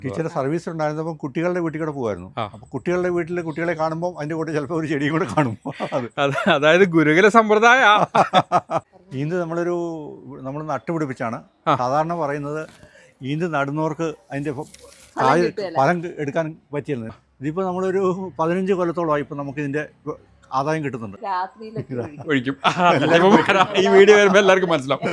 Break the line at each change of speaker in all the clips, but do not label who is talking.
ടീച്ചറുടെ സർവീസ് ഉണ്ടായിരുന്നപ്പോൾ കുട്ടികളുടെ വീട്ടിൽ കൂടെ പോകുമായിരുന്നു. അപ്പോൾ കുട്ടികളുടെ വീട്ടിൽ കുട്ടികളെ കാണുമ്പോൾ അതിൻ്റെ കൂടെ ചിലപ്പോൾ ഒരു ചെടിയും കൂടെ കാണും.
അതായത് ഗുരുകുല സമ്പ്രദായ.
ഈന്ത് നമ്മൾ നട്ടുപിടിപ്പിച്ചാണ് സാധാരണ പറയുന്നത്. ഈന്ത് നടുന്നവർക്ക് അതിൻ്റെ ഫലം എടുക്കാൻ പറ്റിയിരുന്നത്. ഇതിപ്പോൾ നമ്മളൊരു 15 കൊല്ലത്തോളമായി ഇപ്പോൾ നമുക്കിതിൻ്റെ ആദായം കിട്ടുന്നുണ്ട്.
ഒഴിക്കും. ഈ വീഡിയോ വരുമ്പോൾ എല്ലാവർക്കും മനസ്സിലാവും.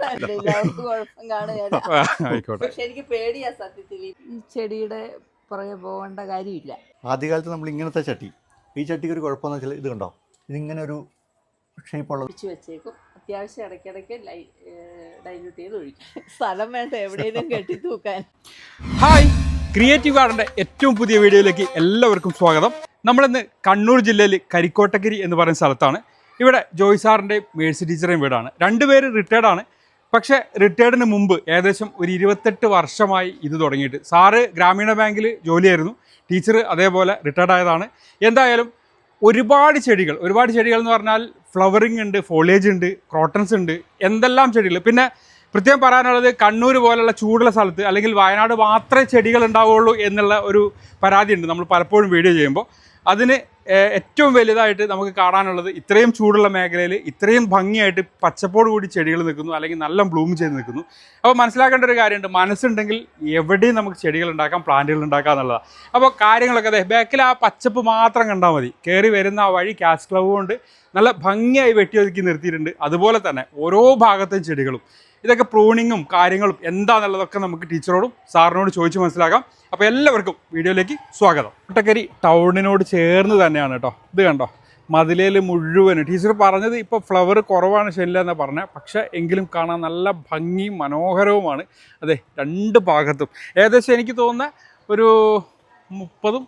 ആയിക്കോട്ടെ.
പക്ഷെ എനിക്ക് പേടിയാ സത്യത്തിൽ ഈ ചെടിയുടെ പുറകെ പോകേണ്ട കാര്യമില്ല.
ആദ്യകാലത്ത് നമ്മൾ ഇങ്ങനത്തെ ചട്ടി, ഈ ചട്ടിക്ക് ഒരു കുഴപ്പമെന്ന് വെച്ചാൽ ഇത് കണ്ടോ, ഇതിങ്ങനെ ഒരു ഷേപ്പുള്ളത്
വെച്ചേക്കും. അത്യാവശ്യം ഇടയ്ക്കിടയ്ക്ക് ഡൈല്യൂട്ട് ചെയ്ത് ഒഴിക്കും. സ്ഥലം വേണ്ട എവിടെയെങ്കിലും കെട്ടി തൂക്കാൻ.
ഹായ്, ക്രിയേറ്റീവ് ഗാർഡൻ്റെ ഏറ്റവും പുതിയ വീഡിയോയിലേക്ക് എല്ലാവർക്കും സ്വാഗതം. നമ്മളിന്ന് കണ്ണൂർ ജില്ലയിൽ കരിക്കോട്ടക്കരി എന്ന് പറയുന്ന സ്ഥലത്താണ്. ഇവിടെ ജോയ് സാറിൻ്റെയും മേഴ്സി ടീച്ചറേയും വീടാണ്. രണ്ടുപേര് റിട്ടയർഡാണ്. പക്ഷേ റിട്ടയർഡിന് മുമ്പ് ഏകദേശം ഒരു 28 വർഷമായി ഇത് തുടങ്ങിയിട്ട്. സാറ് ഗ്രാമീണ ബാങ്കിൽ ജോലിയായിരുന്നു, ടീച്ചർ അതേപോലെ റിട്ടയർഡ് ആയതാണ്. എന്തായാലും ഒരുപാട് ചെടികൾ എന്ന് പറഞ്ഞാൽ ഫ്ലവറിങ് ഉണ്ട്, ഫോളിയേജ് ഉണ്ട്, ക്രോട്ടൺസ് ഉണ്ട്, എന്തെല്ലാം ചെടികൾ. പിന്നെ പ്രത്യേകം പറയാനുള്ളത്, കണ്ണൂർ പോലുള്ള ചൂടുള്ള സ്ഥലത്ത് അല്ലെങ്കിൽ വയനാട് മാത്രമേ ചെടികൾ ഉണ്ടാവുകയുള്ളൂ എന്നുള്ള ഒരു പരാതിയുണ്ട് നമ്മൾ പലപ്പോഴും വീഡിയോ ചെയ്യുമ്പോൾ. അതിന് ഏറ്റവും വലുതായിട്ട് നമുക്ക് കാണാനുള്ളത് ഇത്രയും ചൂടുള്ള മേഖലയിൽ ഇത്രയും ഭംഗിയായിട്ട് പച്ചപ്പോട് കൂടി ചെടികൾ നിൽക്കുന്നു, അല്ലെങ്കിൽ നല്ല ബ്ലൂം ചെയ്ത് നിൽക്കുന്നു. അപ്പോൾ മനസ്സിലാക്കേണ്ട ഒരു കാര്യമുണ്ട്, മനസ്സുണ്ടെങ്കിൽ എവിടെയും നമുക്ക് ചെടികൾ ഉണ്ടാക്കാം, പ്ലാന്റുകൾ ഉണ്ടാക്കാം എന്നുള്ളതാണ്. അപ്പോൾ കാര്യങ്ങളൊക്കെ അതെ ബാക്കിൽ ആ പച്ചപ്പ് മാത്രം കണ്ടാൽ മതി. കയറി വരുന്ന ആ വഴി ക്യാഷ് ക്ലവ് കൊണ്ട് നല്ല ഭംഗിയായി വെട്ടിയൊതുക്കി നിർത്തിയിട്ടുണ്ട്. അതുപോലെ തന്നെ ഓരോ ഭാഗത്തെയും ചെടികളും. ഇതൊക്കെ പ്രൂണിങ്ങും കാര്യങ്ങളും എന്താണെന്നുള്ളതൊക്കെ നമുക്ക് ടീച്ചറോടും സാറിനോട് ചോദിച്ച് മനസ്സിലാക്കാം. അപ്പോൾ എല്ലാവർക്കും വീഡിയോയിലേക്ക് സ്വാഗതം. കോട്ടക്കരി ടൗണിനോട് ചേർന്ന് തന്നെയാണ് കേട്ടോ. ഇത് കണ്ടോ, മതിലേൽ മുഴുവനും. ടീച്ചർ പറഞ്ഞത് ഇപ്പോൾ ഫ്ലവർ കുറവാണ് ശരിയല്ല എന്നാണ് പറഞ്ഞത്. പക്ഷേ എങ്കിലും കാണാൻ നല്ല ഭംഗിയും മനോഹരവുമാണ്. അതെ, രണ്ട് ഭാഗത്തും ഏകദേശം എനിക്ക് തോന്നുന്ന ഒരു 30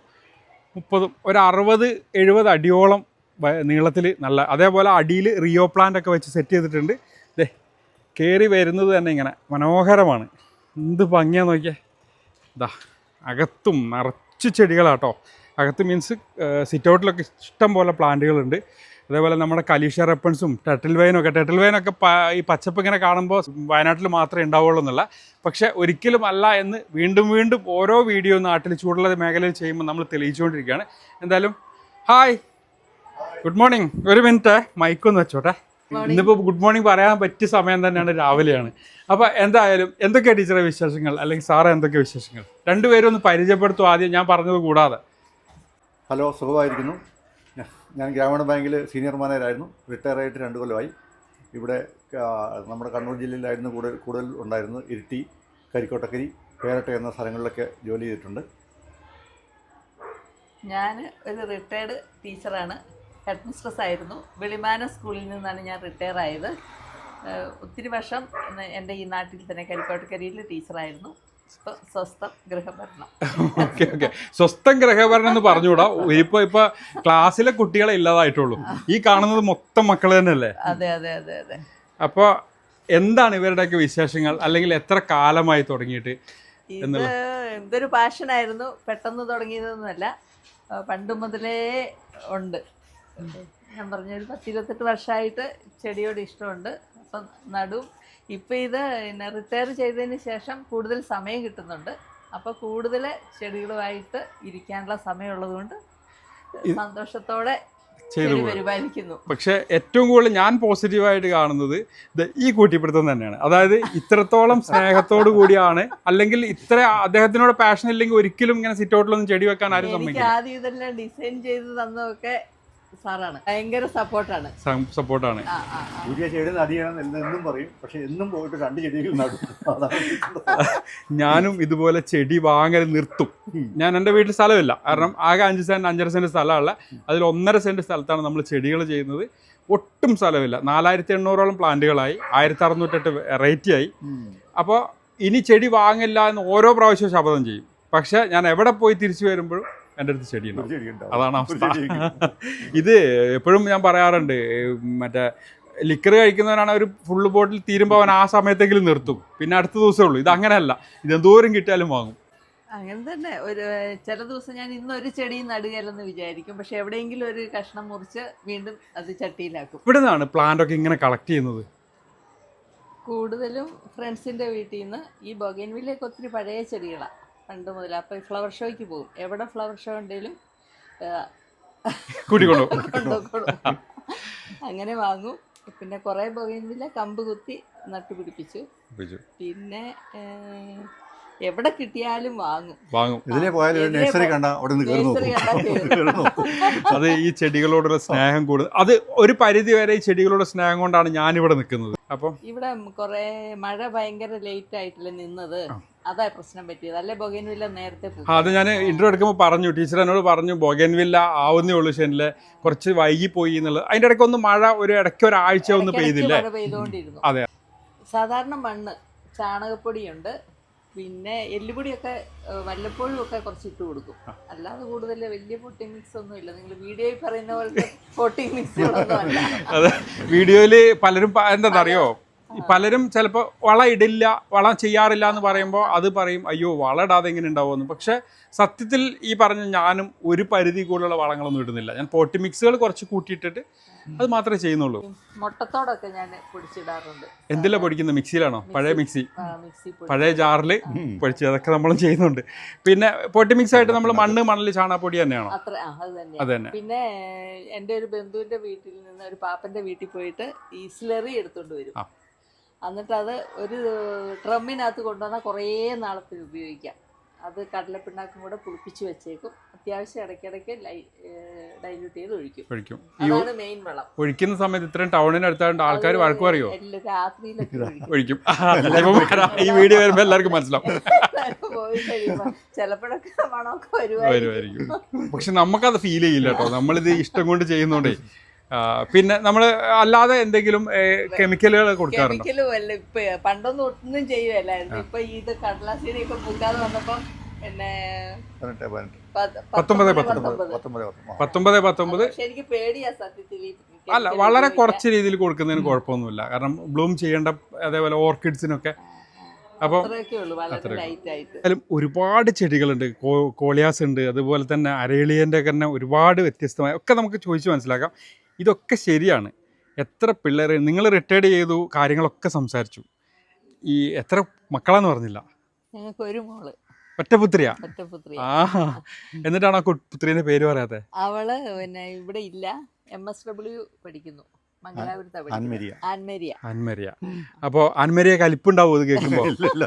ഒരു 60-70 അടിയോളം നീളത്തിൽ നല്ല. അതേപോലെ അടിയിൽ റിയോ പ്ലാന്റ് ഒക്കെ വെച്ച് സെറ്റ് ചെയ്തിട്ടുണ്ട്. ദേ കയറി വരുന്നത് തന്നെ ഇങ്ങനെ മനോഹരമാണ്. എന്ത് ഭംഗിയാന്ന് നോക്കിയേ. ഇതാ അകത്തും നിറച്ച് ചെടികളാട്ടോ. അകത്ത് മീൻസ് സിറ്റ് ഔട്ടിലൊക്കെ ഇഷ്ടം പോലെ പ്ലാന്റുകളുണ്ട്. അതേപോലെ നമ്മുടെ കലീഷ റെപ്പൺസും ടെട്ടിൽ വൈനൊക്കെ ഈ പച്ചപ്പ് ഇങ്ങനെ കാണുമ്പോൾ വയനാട്ടിൽ മാത്രമേ ഉണ്ടാവുള്ളൂ എന്നുള്ള. പക്ഷേ ഒരിക്കലും അല്ല എന്ന് വീണ്ടും ഓരോ വീഡിയോ നാട്ടിൽ ചൂടുള്ള മേഖലയിൽ ചെയ്യുമ്പോൾ നമ്മൾ തെളിയിച്ചുകൊണ്ടിരിക്കുകയാണ്. എന്തായാലും ഹായ്, ഗുഡ് മോർണിംഗ്. ഒരു മിനിറ്റ് മൈക്കൊന്ന് വെച്ചോട്ടെ. ഇന്നിപ്പോൾ ഗുഡ് മോർണിംഗ് പറയാൻ പറ്റിയ സമയം തന്നെയാണ്, രാവിലെയാണ്. അപ്പോൾ എന്തായാലും എന്തൊക്കെയാണ് ടീച്ചറെ വിശേഷങ്ങൾ, അല്ലെങ്കിൽ സാറേ എന്തൊക്കെയാണ് വിശേഷങ്ങൾ? രണ്ടുപേരും ഒന്ന് പരിചയപ്പെടുത്തും ആദ്യം, ഞാൻ പറഞ്ഞത് കൂടാതെ.
ഹലോ, സുഖമായിരിക്കുന്നു. ഞാൻ ഗ്രാമീണ ബാങ്കിൽ സീനിയർ മാനേജറായിരുന്നു. റിട്ടയർ ആയിട്ട് 2 കൊല്ലമായി. ഇവിടെ നമ്മുടെ കണ്ണൂർ ജില്ലയിലായിരുന്നു കൂടുതൽ ഉണ്ടായിരുന്നത്. ഇരിട്ടി, കരിക്കോട്ടക്കരി, പേരട്ട എന്ന സ്ഥലങ്ങളിലൊക്കെ ജോലി ചെയ്തിട്ടുണ്ട്.
ഞാൻ ഒരു റിട്ടയർഡ് ടീച്ചറാണ്. ഹെഡ് മിസ്ട്രസ് ആയിരുന്നു. വെളിമാന സ്കൂളിൽ നിന്നാണ് ഞാൻ റിട്ടയർ ആയത്. ഒത്തിരി വർഷം എൻ്റെ ഈ നാട്ടിൽ തന്നെ കരിക്കോട്ടക്കരിയിൽ ടീച്ചറായിരുന്നു. ഇപ്പോൾ സ്വസ്ഥം ഗൃഹഭരണം.
ഓക്കെ, സ്വസ്ഥം ഗൃഹഭരണം എന്ന് പറഞ്ഞുകൂടാ. ഇപ്പോൾ ക്ലാസ്സിലെ കുട്ടികളെ ഇല്ലാതായിട്ടുള്ളൂ. ഈ കാണുന്നത് മൊത്തം മക്കൾ തന്നെയല്ലേ?
അതെ.
അപ്പോൾ എന്താണ് ഇവരുടെയൊക്കെ വിശേഷങ്ങൾ, അല്ലെങ്കിൽ എത്ര കാലമായി തുടങ്ങിയിട്ട്?
എന്തൊരു പാഷനായിരുന്നു, പെട്ടെന്ന് തുടങ്ങിയതൊന്നുമല്ല, പണ്ട് മുതലേ ഉണ്ട്. ഞാൻ പറഞ്ഞ ഒരു 10-28 വർഷമായിട്ട് ചെടിയോട് ഇഷ്ടമുണ്ട്. അപ്പം നടും. ഇപ്പം ഇത് റിട്ടയർ ചെയ്തതിന് ശേഷം കൂടുതൽ സമയം കിട്ടുന്നുണ്ട്. അപ്പോൾ കൂടുതൽ ചെടികളുമായിട്ട് ഇരിക്കാനുള്ള സമയമുള്ളത് കൊണ്ട് സന്തോഷത്തോടെ പരിപാലിക്കുന്നു.
പക്ഷെ ഏറ്റവും കൂടുതൽ ഞാൻ പോസിറ്റീവായിട്ട് കാണുന്നത് ഈ കൂട്ടിപ്പിടുത്തം തന്നെയാണ്. അതായത് ഇത്രത്തോളം സ്നേഹത്തോടു കൂടിയാണ്, അല്ലെങ്കിൽ ഇത്ര അദ്ദേഹത്തിനോട് പാഷൻ ഇല്ലെങ്കിൽ ഒരിക്കലും ഇങ്ങനെ സിറ്റ് ഔട്ടിലൊന്നും ചെടി വെക്കാൻ ആരും സമ്മതിക്കില്ല.
ആദ്യം ഇതെല്ലാം ഡിസൈൻ ചെയ്ത് തന്നതൊക്കെ സാറാണ്. ഭയങ്കര സപ്പോർട്ടാണ്.
ചെടി നടിയാണെന്ന് എന്നും പറയും. പക്ഷെ എന്നും പോയിട്ട് 2 ചെടികൾ നടും.
ഞാനും ഇതുപോലെ ചെടി വാങ്ങൽ നിർത്തും. ഞാൻ എൻ്റെ വീട്ടിൽ സ്ഥലമില്ല, കാരണം ആകെ 5-5.5 സെൻറ്റ് സ്ഥലമുള്ള. അതിൽ 1.5 സെൻറ്റ് സ്ഥലത്താണ് നമ്മൾ ചെടികൾ ചെയ്യുന്നത്. ഒട്ടും സ്ഥലമില്ല. 4800ഓളം പ്ലാന്റുകളായി, 1608 വെറൈറ്റിയായി. അപ്പോൾ ഇനി ചെടി വാങ്ങില്ല എന്ന് ഓരോ പ്രാവശ്യവും ശപഥം ചെയ്യും. പക്ഷെ ഞാൻ എവിടെ പോയി തിരിച്ചു വരുമ്പോഴും എൻ്റെ അടുത്ത് ചെടിയുണ്ടാവും. അതാണ് അവസ്ഥ. ഇത് എപ്പോഴും ഞാൻ പറയാറുണ്ട്, മറ്റേ ലിക്കർ കഴിക്കുന്നവനാണ് ഒരു ഫുള്ള് ബോട്ടിൽ തീരുമ്പോൾ അവൻ ആ സമയത്തെങ്കിലും നിർത്തും, പിന്നെ അടുത്ത ദിവസമേ ഉള്ളൂ. ഇത് അങ്ങനെയല്ല, ഇതെന്തോരം കിട്ടിയാലും വാങ്ങും.
അങ്ങനെ തന്നെ. ചില ദിവസം ഞാൻ ഇന്നൊരു ചെടി നടുകയല്ലെന്ന് വിചാരിക്കും, പക്ഷെ എവിടെയെങ്കിലും ഒരു കഷ്ണം മുറിച്ച് വീണ്ടും അത് ചട്ടിയിലാക്കും.
ഇവിടെ നിന്നാണ് പ്ലാന്റ് ഒക്കെ ഇങ്ങനെ കളക്ട് ചെയ്യുന്നത്?
കൂടുതലും ഫ്രണ്ട്സിൻ്റെ വീട്ടിൽ നിന്ന്. ഈ ബൊഗൈൻവില്ലയൊക്കെ ഒത്തിരി പഴയ ചെടികളാണ്. പണ്ട് മുതൽ. അപ്പോൾ ഈ ഫ്ലവർ ഷോയ്ക്ക് പോകും. എവിടെ ഫ്ലവർ ഷോ ഉണ്ടെങ്കിലും
കൂട്ടിക്കൊണ്ടു
കൊണ്ടുപോകും. അങ്ങനെ വാങ്ങും. പിന്നെ കുറേ ബൊഗൈൻവില്ല കമ്പ് കുത്തി നട്ടുപിടിപ്പിച്ചു. പിന്നെ എവിടെ കിട്ടിയാലും വാങ്ങും.
ഇതിലെ പോയാലും നഴ്സറി കണ്ട അവിടെ നിന്ന് കയറുന്നു.
അത് ഈ ചെടികളോടുള്ള സ്നേഹം കൂടുതൽ. അത് ഒരു പരിധി വരെ ഈ ചെടികളോടുള്ള സ്നേഹം കൊണ്ടാണ് ഞാനിവിടെ നിൽക്കുന്നത്. അപ്പം
ഇവിടെ കുറേ മഴ ഭയങ്കര ലേറ്റ് ആയിട്ടല്ലേ നിന്നത്, അതാ പ്രശ്നം പറ്റിയത്. അല്ലെ ബൊഗൈൻവില്ല നേരത്തെ പോകും.
അത് ഞാൻ ഇന്റർവ്യൂ എടുക്കുമ്പോൾ പറഞ്ഞു, ടീച്ചർ എന്നോട് പറഞ്ഞു ബൊഗൈൻവില്ല ആവുന്നേ ഉള്ളൂ ഷെനിലെ, കുറച്ച് വൈകിപ്പോയി എന്നുള്ളത്. അതിന്റെ ഇടയ്ക്ക് ഒന്ന് മഴ ഇടയ്ക്ക് ഒരാഴ്ച ഒന്ന് പെയ്തില്ലേ?
മഴ പെയ്തുകൊണ്ടിരുന്നു.
അതെ.
സാധാരണ മണ്ണ്, ചാണകപ്പൊടിയുണ്ട്, പിന്നെ എല്ലുപൊടിയൊക്കെ വല്ലപ്പോഴും ഒക്കെ കുറച്ച് ഇട്ട് കൊടുക്കും. അല്ലാതെ കൂടുതൽ വലിയ പൊട്ടിംഗ് മിക്സ് ഒന്നും ഇല്ല. നിങ്ങൾ വീഡിയോയിൽ പറയുന്ന പോലത്തെ പൊട്ടിംഗ് മിക്സുകളൊന്നും അല്ല.
അതെ, വീഡിയോയില് പലരും എന്താണെന്നറിയോ, പലരും ചിലപ്പോൾ വളം ഇടില്ല, വളം ചെയ്യാറില്ല എന്ന് പറയുമ്പോൾ അത് പറയും അയ്യോ വളം ഇടാതെ എങ്ങനെ ഉണ്ടാവുമെന്ന്. പക്ഷെ സത്യത്തിൽ ഈ പറഞ്ഞ ഞാനും ഒരു പരിധി കൂടുതലുള്ള വളങ്ങളൊന്നും ഇടുന്നില്ല. ഞാൻ പോട്ടി മിക്സുകൾ കുറച്ച് കൂട്ടിയിട്ടിട്ട് അത് മാത്രമേ ചെയ്യുന്നുള്ളൂ.
മുട്ടത്തോടൊക്കെ ഞാൻ പൊടിച്ചിടാറുണ്ട്.
എന്തിലാ പൊടിക്കുന്നത്? മിക്സിയിലാണോ? പഴയ മിക്സി,
മിക്സി
പഴയ ജാറിൽ പൊടിച്ച് അതൊക്കെ നമ്മളും ചെയ്യുന്നുണ്ട്. പിന്നെ പൊട്ടി മിക്സ് ആയിട്ട് നമ്മൾ മണ്ണ് ചാണകപ്പൊടി തന്നെയാണോ?
അത്ര അത്
അത് തന്നെ.
പിന്നെ എൻ്റെ ഒരു ബന്ധുവിൻ്റെ വീട്ടിൽ നിന്ന് ഒരു പാപ്പൻ്റെ വീട്ടിൽ പോയിട്ട് ഈ സ്ലറി എടുത്തുകൊണ്ട് വരും. എന്നിട്ട് അത് ഒരു ഡ്രമ്മിനകത്ത് കൊണ്ടുവന്നാൽ കുറേ നാളത്തിന് ഉപയോഗിക്കാം. അത് കടലപ്പിണ്ണാക്കും കൂടെ പുളിപ്പിച്ച് വെച്ചേക്കും. അത്യാവശ്യം ഇടയ്ക്കിടയ്ക്ക് ഡൈല്യൂട്ട് ചെയ്ത് ഒഴിക്കും. അതാണ് മെയിൻ വളം.
ഒഴിക്കുന്ന സമയത്ത് ഇത്രയും ടൗണിനടുത്താണ്ട് ആൾക്കാർ വഴക്ക് പറയോ?
രാത്രിയിലൊക്കെ
ഒഴിക്കും. ഈ വീഡിയോ വരുമ്പോൾ എല്ലാവർക്കും മനസ്സിലാവും.
പോയി കഴിയുമ്പോൾ ചിലപ്പോഴൊക്കെ മണമൊക്കെ
വരുമായിരിക്കും. പക്ഷെ നമുക്കത് ഫീൽ ചെയ്യില്ല കേട്ടോ, നമ്മളിത് ഇഷ്ടം കൊണ്ട് ചെയ്യുന്നോണ്ടേ. പിന്നെ നമ്മൾ അല്ലാതെ എന്തെങ്കിലും കെമിക്കലുകൾ കൊടുക്കാറുണ്ടോ?
കെമിക്കലും ഇപ്പൊ പണ്ടൊന്നും ഒന്നും ചെയ്യുമല്ലായിരുന്നു. ഇപ്പൊ ഇത് കടലാസിനെയൊക്കെ പൂക്കാതെ വന്നപ്പോ പിന്നെ
19
എനിക്ക് പേടിയാ സത്യത്തിൽ.
അല്ല, വളരെ കുറച്ച് രീതിയിൽ കൊടുക്കുന്നതിന് കുഴപ്പമൊന്നുമില്ല. കാരണം ബ്ലൂം ചെയ്യേണ്ട അതേപോലെ ഓർക്കിഡ്സിനൊക്കെ. അപ്പം ഒരുപാട് ചെടികളുണ്ട്. കോളിയാസ് ഉണ്ട്, അതുപോലെ തന്നെ അരേളിയൻ്റെ തന്നെ ഒരുപാട് വ്യത്യസ്തമായ ഒക്കെ നമുക്ക് ചോദിച്ച് മനസ്സിലാക്കാം. ഇതൊക്കെ ശരിയാണ്. എത്ര പിള്ളേർ നിങ്ങൾ റിട്ടയർഡ് ചെയ്തു, കാര്യങ്ങളൊക്കെ സംസാരിച്ചു. ഈ എത്ര മക്കളാന്ന് പറഞ്ഞില്ല?
ഞങ്ങൾക്ക് ഒരു മോള്,
ഒറ്റപുത്രിയാ? ആ, എന്നിട്ടാണ് ആ പുത്രീന്റെ പേര് പറയാത്തെ?
അവള് പിന്നെ ഇവിടെ ഇല്ല, MSW പഠിക്കുന്നു,
ആൻമരിയ. അപ്പൊ ആൻമരിയ കലിപ്പുണ്ടാവും ഇത് കേൾക്കുമ്പോ?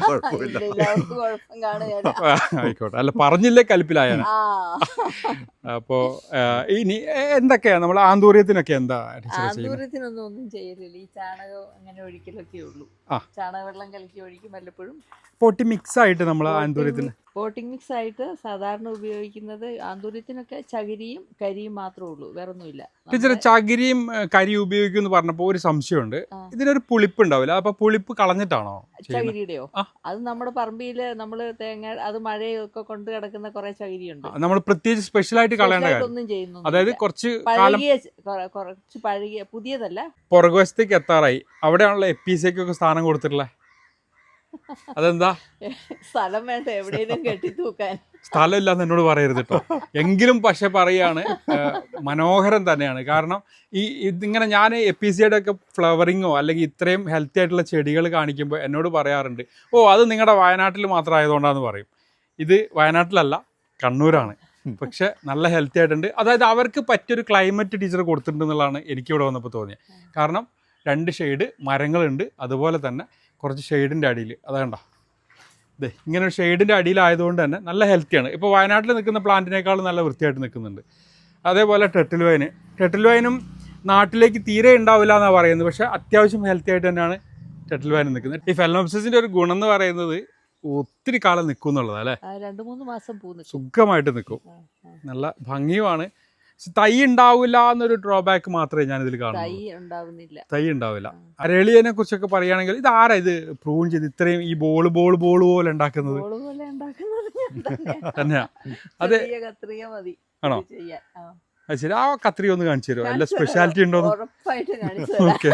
ആയിക്കോട്ടെ, അല്ല പറഞ്ഞില്ലേ കലിപ്പിലായ. അപ്പോ ഇനി എന്തൊക്കെയാ നമ്മൾ ആന്തൂര്യത്തിനൊക്കെ എന്താ?
ആന്തൂര്യത്തിനൊന്നും ഒന്നും ചെയ്യലില്ല. ഈ ചാണകം അങ്ങനെ ഒഴിക്കലൊക്കെ ഉള്ളൂ. ചാണകവെള്ളം കലക്കി ഒഴിക്കും വല്ലപ്പോഴും.
പോട്ടി മിക്സ് ആയിട്ട് നമ്മൾ ആന്തൂര്യത്തിന്
പോട്ടിംഗ് മിക്സ് ആയിട്ട് സാധാരണ ഉപയോഗിക്കുന്നത് ആന്തൂര്യത്തിനൊക്കെ ചകിരിയും കരിയും മാത്രമേ ഉള്ളൂ, വേറെ ഒന്നുമില്ല.
ടീച്ചറെ, ചകിരിയും കരിയും ഉപയോഗിക്കുമെന്ന് പറഞ്ഞപ്പോൾ ഒരു സംശയമുണ്ട്. ഇതിനൊരു പുളിപ്പ് ഉണ്ടാവില്ല, അപ്പൊ പുളിപ്പ് കളഞ്ഞിട്ടാണോ?
ചകിരിയുടെയോ? അത് നമ്മുടെ പറമ്പില് നമ്മള് തേങ്ങ, അത് മഴയൊക്കെ കൊണ്ട് കിടക്കുന്ന കുറെ ചകിരിയുണ്ട്.
നമ്മൾ പ്രത്യേകിച്ച് സ്പെഷ്യലായിട്ട് കളയേണ്ട
ഒന്നും ചെയ്യുന്നു.
അതായത് കുറച്ച്
പഴകിയ പുതിയതല്ല.
പുറകുവശത്തേക്ക് എത്താറായി, അവിടെയാണല്ലോ എപ്പിസിക്കൊക്കെ സ്ഥാനം കൊടുത്തിട്ടുള്ളത്. അതെന്താ?
സ്ഥലം വേണ്ട എവിടെയെങ്കിലും കെട്ടി തൂക്കാൻ.
സ്ഥലമില്ലാന്ന് എന്നോട് പറയരുത് കേട്ടോ. എങ്കിലും പക്ഷെ പറയാണ്, മനോഹരം തന്നെയാണ്. കാരണം ഇതിങ്ങനെ ഞാൻ എപ്പിസിയുടെ ഒക്കെ ഫ്ലവറിങ്ങോ അല്ലെങ്കിൽ ഇത്രയും ഹെൽത്തി ആയിട്ടുള്ള ചെടികൾ കാണിക്കുമ്പോൾ എന്നോട് പറയാറുണ്ട്, ഓ അത് നിങ്ങളുടെ വയനാട്ടിൽ മാത്രം ആയതുകൊണ്ടാന്ന് പറയും. ഇത് വയനാട്ടിലല്ല, കണ്ണൂരാണ്. പക്ഷെ നല്ല ഹെൽത്തി ആയിട്ടുണ്ട്. അതായത് അവർക്ക് പറ്റിയൊരു ക്ലൈമറ്റ് ടീച്ചർ കൊടുത്തിട്ടുണ്ട് എന്നുള്ളതാണ് എനിക്കിവിടെ വന്നപ്പോൾ തോന്നിയത്. കാരണം 2 ഷെയ്ഡ് മരങ്ങളുണ്ട്, അതുപോലെ തന്നെ കുറച്ച് ഷെയ്ഡിൻ്റെ അടിയിൽ അതാണ്ട ഇതേ ഇങ്ങനെ ഒരു ഷെയ്ഡിൻ്റെ അടിയിലായതുകൊണ്ട് തന്നെ നല്ല ഹെൽത്തിയാണ്. ഇപ്പോൾ വയനാട്ടിൽ നിൽക്കുന്ന പ്ലാന്റിനേക്കാളും നല്ല വൃത്തിയായിട്ട് നിൽക്കുന്നുണ്ട്. അതേപോലെ ടെട്ടിൽ വൈനും നാട്ടിലേക്ക് തീരെ ഉണ്ടാവില്ല എന്നാണ് പറയുന്നത്. പക്ഷേ അത്യാവശ്യം ഹെൽത്തി ആയിട്ട് തന്നെയാണ് ടെട്ടിൽ വൈൻ നിൽക്കുന്നത്. ഈ ഫെലനോപ്സിസിൻ്റെ ഒരു ഗുണം എന്ന് പറയുന്നത് ഒത്തിരി കാലം നിൽക്കും എന്നുള്ളതാണ് അല്ലേ?
2-3 മാസം
സുഖമായിട്ട് നിൽക്കും, നല്ല ഭംഗിയുമാണ്. തൈ ഉണ്ടാവില്ല എന്നൊരു ഡ്രോബാക്ക് മാത്രമേ ഞാനിതിൽ കാണുന്നു. തൈ ഉണ്ടാവില്ല. അരളിയനെ കുറിച്ചൊക്കെ പറയുകയാണെങ്കിൽ ഇത് ആരാ ഇത് പ്രൂൺ ചെയ്ത് ഇത്രയും ഈ ബോൾ പോലെ ഉണ്ടാക്കുന്നത്? തന്നെയാ? അതെ, ആണോ? അത് ശരി. ആ കത്രിക ഒന്ന് കാണിച്ചു തരുമോ? നല്ല സ്പെഷ്യാലിറ്റി ഉണ്ടോ? ഓക്കെ.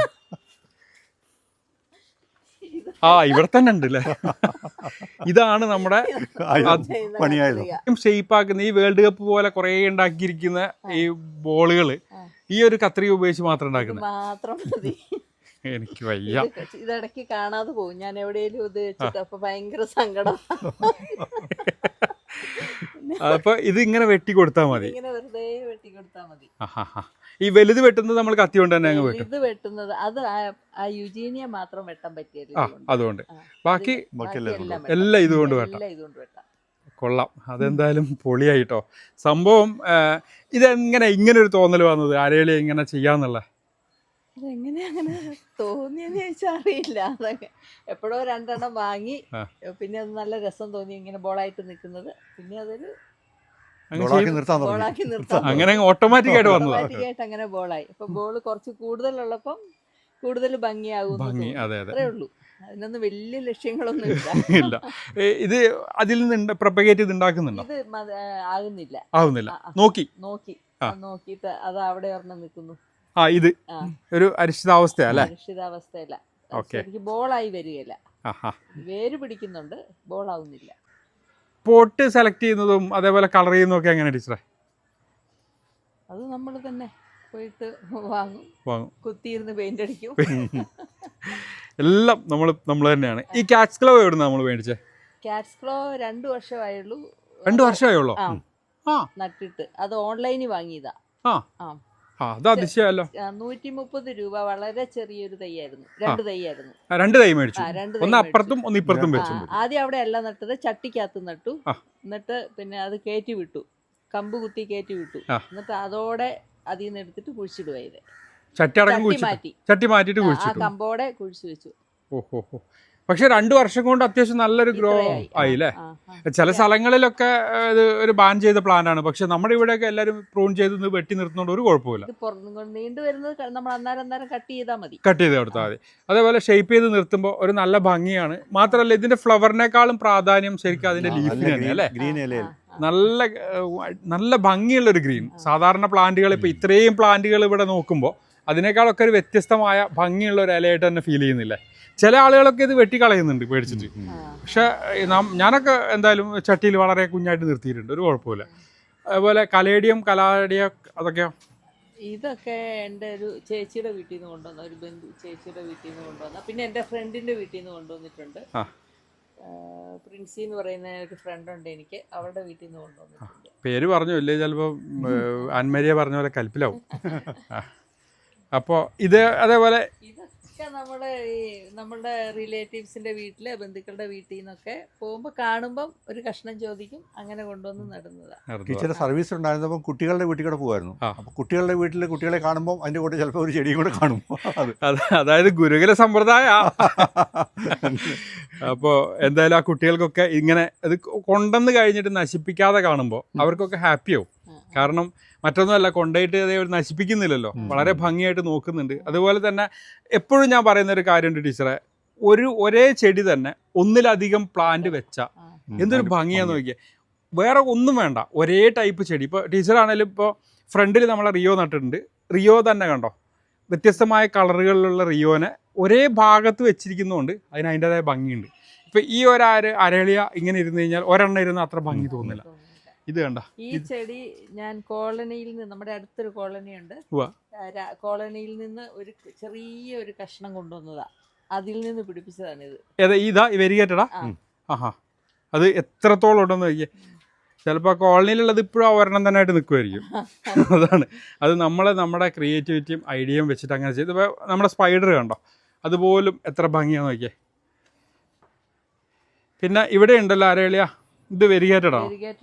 ഇവിടെ തന്നെ ഉണ്ട് അല്ലേ? ഇതാണ് നമ്മുടെ ഷേപ്പ് ആക്കുന്ന ഈ വേൾഡ് കപ്പ് പോലെ കുറെ ഉണ്ടാക്കിയിരിക്കുന്ന ഈ ബോളുകള് ഈ ഒരു കത്രിക ഉപയോഗിച്ച് മാത്രം ഉണ്ടാക്കുന്നത്. എനിക്ക് വയ്യ.
ഇതിടയ്ക്ക് കാണാതെ പോകും ഞാൻ എവിടെയെങ്കിലും ഇത് വെച്ചിട്ട്, അപ്പൊ ഭയങ്കര സങ്കടം.
അപ്പൊ ഇത് ഇങ്ങനെ വെട്ടി കൊടുത്താൽ മതി.
ഇങ്ങനെ വെറുതെ വെട്ടി കൊടുത്താൽ മതി.
ഈ വലുത് വെട്ടുന്നത് നമ്മൾ കത്തി കൊണ്ട് തന്നെ അങ്ങ് വെട്ടും.
ഇത് വെട്ടുന്നത് അത് ആ യുജീനിയ മാത്രം വെട്ടാൻ പറ്റിയത്.
അതുകൊണ്ട് ബാക്കി
എല്ലാം
എല്ലാം ഇതുകൊണ്ട് വെട്ടാം. കൊള്ളാം. അതെന്തായാലും പൊളിയായിട്ടോ സംഭവം. ഇതെങ്ങനെ ഇങ്ങനെ ഒരു തോന്നൽ വന്നത്, അരളി ഇങ്ങനെ ചെയ്യാന്നുള്ള?
അതെങ്ങനെ അങ്ങനെ തോന്നിയെന്ന് ചോദിച്ചാൽ അറിയില്ല. അതൊക്കെ എപ്പോഴോ 2 എണ്ണം വാങ്ങി, പിന്നെ അത് നല്ല രസം തോന്നി ഇങ്ങനെ ബോളായിട്ട് നിൽക്കുന്നത്. പിന്നെ അതൊരു ബോളാക്കി നിർത്താം,
അങ്ങനെ ഓട്ടോമാറ്റിക് ആയിട്ട് വന്നത്.
ഓട്ടോമാറ്റിക്കായിട്ട് അങ്ങനെ ബോളായി. അപ്പൊ ബോള് കുറച്ച് കൂടുതലുള്ളപ്പം കൂടുതൽ ഭംഗിയാകും. അത്രേ ഉള്ളൂ. അതിനൊന്നും വലിയ ലക്ഷ്യങ്ങളൊന്നും
ഇല്ല. ഇത് അതിൽ നിന്ന് പ്രൊപ്പഗേറ്റ് ചെയ്ത് ഉണ്ടാക്കുന്നുണ്ടോ?
ഇത്
ആകുന്നില്ല.
നോക്കിയിട്ട് അത് അവിടെ ഒരെണ്ണം നിൽക്കുന്നു.
ഇത് ഒരു അരിഷ്ടിതാവസ്ഥയല്ലേ?
അരിഷ്ടിതാവസ്ഥയല്ല, ശരിക്കും ബോളായി വരികയില്ല. വേര് പിടിക്കുന്നുണ്ട്, ബോളാവുന്നില്ല.
പോട്ട് സെലക്ട് ചെയ്യുന്നതും അതേപോലെ കളർ ചെയ്യുന്നതും ഒക്കെ എങ്ങനെ ടീച്ചറെ?
അത് നമ്മൾ തന്നെ പോയിട്ട് വാങ്ങും, കുത്തിയിരുന്ന് പെയിന്റ് അടിക്കും.
എല്ലാം നമ്മൾ തന്നെയാണ്. ഈ കാറ്റ്സ് ക്ലോ എവിടുന്ന നമ്മൾ മേടിച്ചേ?
കാറ്റ്സ് ക്ലോ 2 വർഷമായുള്ളൂ.
2 വർഷമായുള്ളൂ
നട്ടിട്ട്. അത് ഓൺലൈനിൽ വാങ്ങിയതാ.
അത് അതിശയമല്ലോ.
130 രൂപ. വളരെ ചെറിയൊരു തൈയായിരുന്നു. 2 തൈയായിരുന്നു.
2 തൈ മേടിച്ചു, ഒന്ന് അപ്പുറത്തും ഒന്ന് ഇപ്പുറത്തും വെച്ചു.
ആദ്യം അവിടെ അല്ല നട്ടത്, ചട്ടിക്കകത്ത് നട്ടു. എന്നിട്ട് പിന്നെ അത് കയറ്റി വിട്ടു, കമ്പ് കുത്തി കയറ്റി വിട്ടു. എന്നിട്ട് അതോടെ അതിൽ നിന്ന് എടുത്തിട്ട് കുഴിച്ചിടുവായത്. ചട്ടി മാറ്റിട്ട് കുഴിച്ചു, കമ്പോടെ കുഴിച്ചു വെച്ചു.
ഓഹോ. പക്ഷെ 2 വർഷം കൊണ്ട് അത്യാവശ്യം നല്ലൊരു ഗ്രോ ആയില്ലേ? ചില സ്ഥലങ്ങളിലൊക്കെ ഇത് ഒരു ബാൻ ചെയ്ത പ്ലാന്റ് ആണ്, പക്ഷെ നമ്മുടെ ഇവിടെയൊക്കെ എല്ലാവരും പ്രൂൺ ചെയ്ത് വെട്ടി നിർത്തുന്നതുകൊണ്ട് ഒരു കുഴപ്പമില്ല.
നീണ്ടു വരുന്നത് നമ്മൾ അന്നേരം കട്ട് ചെയ്താൽ മതി,
കട്ട് ചെയ്ത് കൊടുത്താൽ മതി. അതേപോലെ ഷേപ്പ് ചെയ്ത് നിർത്തുമ്പോൾ ഒരു നല്ല ഭംഗിയാണ്. മാത്രമല്ല ഇതിന്റെ ഫ്ലവറിനേക്കാളും പ്രാധാന്യം ശരിക്കും അതിന്റെ ലീഫിന് തന്നെ അല്ലേ? നല്ല നല്ല ഭംഗിയുള്ള ഒരു ഗ്രീൻ. സാധാരണ പ്ലാന്റുകൾ ഇപ്പൊ ഇത്രയും പ്ലാന്റുകൾ ഇവിടെ നോക്കുമ്പോൾ അതിനേക്കാളൊക്കെ ഒരു വ്യത്യസ്തമായ ഭംഗിയുള്ള ഒരു ഇലയായിട്ട് തന്നെ ഫീൽ ചെയ്യുന്നില്ലേ? ചില ആളുകളൊക്കെ ഇത് വെട്ടിക്കളയുന്നുണ്ട് പേടിച്ചിട്ട്. പക്ഷെ ഞാനൊക്കെ എന്തായാലും ചട്ടിയിൽ വളരെ കുഞ്ഞായിട്ട് നിർത്തിയിട്ടുണ്ട്, ഒരു കുഴപ്പമില്ല. അതുപോലെ കലാഡിയം അതൊക്കെയോ?
ഇതൊക്കെ എൻ്റെ ഒരു ചേച്ചിയുടെ വീട്ടിൽ നിന്ന് കൊണ്ടുവന്ന, ഒരു ബന്ധു ചേച്ചിയുടെ വീട്ടിൽ നിന്ന് കൊണ്ടുവന്ന, പിന്നെ എൻ്റെ ഫ്രണ്ടിൻ്റെ വീട്ടിൽ നിന്ന് കൊണ്ടുവന്നിട്ടുണ്ട്. പ്രിൻസി എന്ന് പറയുന്ന ഒരു ഫ്രണ്ട് ഉണ്ട് എനിക്ക്, അവരുടെ വീട്ടിൽ നിന്ന് കൊണ്ടുവന്നിട്ടുണ്ട്.
പേര് പറഞ്ഞു ഇല്ലേ, ചിലപ്പോൾ അൻമരിയ പറഞ്ഞ പോലെ കൽപ്പിലാവും. അപ്പോൾ ഇത് അതേപോലെ
ഇതൊക്കെ നമ്മുടെ റിലേറ്റീവ്സിന്റെ വീട്ടില്, ബന്ധുക്കളുടെ വീട്ടിൽ നിന്നൊക്കെ പോകുമ്പോൾ കാണുമ്പം ഒരു കഷ്ണം ചോദിക്കും, അങ്ങനെ കൊണ്ടുവന്ന് നടുന്നതാണ്.
ടീച്ചറുടെ സർവീസ് ഉണ്ടായിരുന്നപ്പോൾ കുട്ടികളുടെ വീട്ടിൽ കൂടെ പോകുമായിരുന്നു. അപ്പോൾ കുട്ടികളുടെ വീട്ടിൽ കുട്ടികളെ കാണുമ്പോൾ അതിൻ്റെ കൂടെ ചിലപ്പോൾ ഒരു ചെടിയും കൂടെ കാണും.
അതായത് ഗുരുകുല സമ്പ്രദായ. അപ്പോൾ എന്തായാലും ആ കുട്ടികൾക്കൊക്കെ ഇങ്ങനെ ഇത് കൊണ്ടുവന്ന് കഴിഞ്ഞിട്ട് നശിപ്പിക്കാതെ കാണുമ്പോൾ അവർക്കൊക്കെ ഹാപ്പിയാവും. കാരണം മറ്റൊന്നുമല്ല, കൊണ്ടുപോയിട്ട് അതേപോലെ നശിപ്പിക്കുന്നില്ലല്ലോ, വളരെ ഭംഗിയായിട്ട് നോക്കുന്നുണ്ട്. അതുപോലെ തന്നെ എപ്പോഴും ഞാൻ പറയുന്ന ഒരു കാര്യമുണ്ട് ടീച്ചറെ, ഒരേ ചെടി തന്നെ ഒന്നിലധികം പ്ലാന്റ് വെച്ചാൽ എന്തൊരു ഭംഗിയാന്ന് നോക്കിയാൽ. വേറെ ഒന്നും വേണ്ട, ഒരേ ടൈപ്പ് ചെടി. ഇപ്പോൾ ടീച്ചറാണെങ്കിലും ഇപ്പോൾ ഫ്രണ്ടിൽ നമ്മളെ റിയോ നട്ടിട്ടുണ്ട്. റിയോ തന്നെ കണ്ടോ, വ്യത്യസ്തമായ കളറുകളിലുള്ള റിയോനെ ഒരേ ഭാഗത്ത് വെച്ചിരിക്കുന്നതുകൊണ്ട് അതിന് അതിൻ്റെതായ ഭംഗിയുണ്ട്. ഇപ്പോൾ ഈ അരളിയ ഇങ്ങനെ ഇരുന്ന് കഴിഞ്ഞാൽ ഒരെണ്ണം ഇരുന്ന് അത്ര ഭംഗി തോന്നില്ല. ഇത് കണ്ട
ഈ ചെടി ഞാൻ കോളനിയിൽ നിന്ന്, നമ്മുടെ അടുത്തൊരു കോളനി ഉണ്ട്, കോളനിയിൽ നിന്ന് ഒരു ചെറിയൊരു കഷ്ണം കൊണ്ടുവന്നതാ, അതിൽ നിന്ന് പിടിപ്പിച്ചതാണ് ഇത്.
ഇതാ വെരിഗേറ്റഡാ? അത് എത്രത്തോളം ഉണ്ടെന്ന് നോക്കിയേ. ചിലപ്പോൾ കോളനിയിലുള്ളത് ഇപ്പോഴും ഒരെണ്ണം തന്നെ ആയിട്ട് നിൽക്കുമായിരിക്കും. അതാണ് അത് നമ്മുടെ ക്രിയേറ്റിവിറ്റിയും ഐഡിയയും വെച്ചിട്ട് അങ്ങനെ ചെയ്ത്. ഇപ്പോൾ നമ്മുടെ സ്പൈഡർ കണ്ടോ, അതുപോലും എത്ര ഭംഗിയാന്ന് നോക്കിയേ. പിന്നെ ഇവിടെ ഉണ്ടല്ലോ അരളിയ, ഇത് വെരിഗേറ്റഡാ?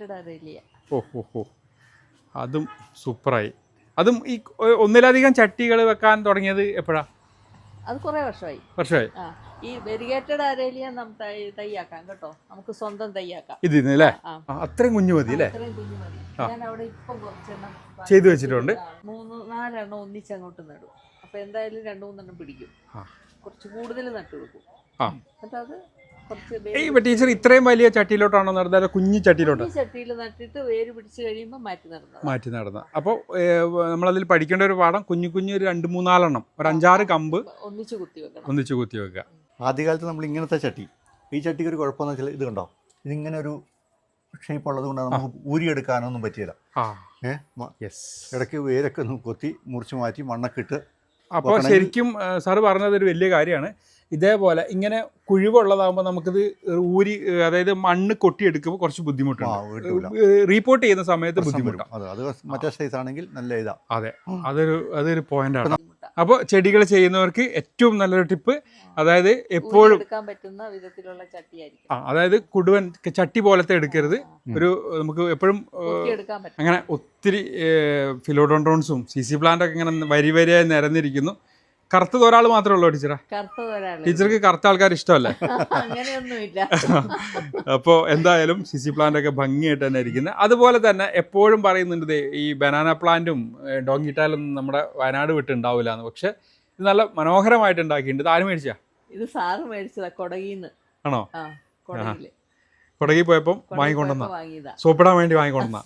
ഓ അതും സൂപ്പറായി. അതും ഈ ഒന്നിലധികം ചട്ടികൾ വെക്കാൻ തുടങ്ങിയത് എപ്പോഴാ?
അത് കുറേ വർഷമായി. ഈ വെരിഗേറ്റഡ് അരളിയ തയ്യാക്കാം കേട്ടോ, നമുക്ക് സ്വന്തം തയ്യാക്കാം.
ഇതിന്ന് അല്ലേ? അത്രയും കുഞ്ഞു മതി അല്ലേ?
ഞാൻ അവിടെ ഇപ്പം കുറച്ചെണ്ണം
ചെയ്തു വെച്ചിട്ടുണ്ട്.
3-4 എണ്ണം ഒന്നിച്ചങ്ങോട്ട് നടും. അപ്പൊ എന്തായാലും 2-3 പിടിക്കും. കുറച്ച് കൂടുതൽ നട്ടു കൊടുക്കും. എന്നിട്ട് അത്
ടീച്ചർ ഇത്രയും വലിയ ചട്ടിയിലോട്ടാണോ നടന്നത്, കുഞ്ഞു ചട്ടിയിലോട്ടോ?
ചട്ടിയിൽ നട്ടിട്ട് വേര് പിടിച്ച് കഴിയുമ്പോൾ മാറ്റി നടന്ന.
അപ്പോൾ നമ്മളതിൽ പഠിക്കേണ്ട ഒരു പാഠം, കുഞ്ഞു ഒരു 2-3-4 എണ്ണം, ഒരു 5-6 കമ്പ് ഒന്നിച്ച് കുത്തി വെക്കുക.
ആദ്യകാലത്ത് നമ്മൾ ഇങ്ങനത്തെ ചട്ടി, ഈ ചട്ടിക്ക് ഒരു കുഴപ്പമെന്ന് വെച്ചാൽ ഇത് കണ്ടോ, ഇതിങ്ങനെ ഒരു ഷേപ്പ് ഉള്ളത് കൊണ്ട് നമുക്ക് ഊരിയെടുക്കാനൊന്നും പറ്റിയില്ല. ഇടയ്ക്ക് വേരൊക്കെ ഒന്ന് കൊത്തി മുറിച്ച് മാറ്റി മണ്ണൊക്കെ ഇട്ട്
അപ്പോൾ ശരിക്കും സാറ് പറഞ്ഞത് ഒരു വലിയ കാര്യമാണ്. ഇതേപോലെ ഇങ്ങനെ കുഴിവുള്ളതാകുമ്പോൾ നമുക്കിത് ഊരി, അതായത് മണ്ണ് കൊട്ടിയെടുക്കുമ്പോൾ കുറച്ച് ബുദ്ധിമുട്ടുണ്ട്. റീപോർട്ട് ചെയ്യുന്ന സമയത്ത് ബുദ്ധിമുട്ടാണ്.
അത് മറ്റേ സൈസ് ആണെങ്കിൽ നല്ല ഇതാ.
അതെ, അതൊരു പോയിന്റാണ്. അപ്പോൾ ചെടികൾ ചെയ്യുന്നവർക്ക് ഏറ്റവും നല്ലൊരു ടിപ്പ്, അതായത് എപ്പോഴും
എടുക്കാൻ പറ്റുന്ന വിധത്തിലുള്ള ചട്ടിയായിരിക്കും.
അതായത് കുടുവൻ ചട്ടി പോലത്തെ എടുക്കരുത്. ഒരു നമുക്ക് എപ്പോഴും
എടുക്കാൻ പറ്റും.
അങ്ങനെ ഒത്തിരി ഫിലോഡോൺട്രോൺസും CC പ്ലാന്റൊക്കെ ഇങ്ങനെ വരിയായി നിരന്നിരിക്കുന്നു. കറുത്തത് ഒരാൾ മാത്രമേ ഉള്ളൂ ടീച്ചറെ? ടീച്ചർക്ക് കറുത്ത ആൾക്കാർ ഇഷ്ടമല്ലേ?
അങ്ങനെയൊന്നുമില്ല.
അപ്പോൾ എന്തായാലും CC പ്ലാന്റ് ഒക്കെ ഭംഗിയായിട്ട് തന്നെ ഇരിക്കുന്നത്. അതുപോലെ തന്നെ എപ്പോഴും പറയുന്നുണ്ട് ഈ ബനാന പ്ലാന്റും ഡോങ്കിട്ടാലും നമ്മുടെ വയനാട് വിട്ട് ഉണ്ടാവില്ല എന്ന്. പക്ഷെ ഇത് നല്ല മനോഹരമായിട്ട് ഉണ്ടാക്കിയിട്ടുണ്ട്. ഇത് ആര് മേടിച്ചാ?
ഇത് സാറ് മേടിച്ചതാ കൊടകിന്ന്.
ആണോ?
കൊടകില്
കൊടകി പോയപ്പം വാങ്ങിക്കൊണ്ടുവന്ന, സോപ്പിടാൻ വേണ്ടി വാങ്ങിക്കൊണ്ടുവന്ന.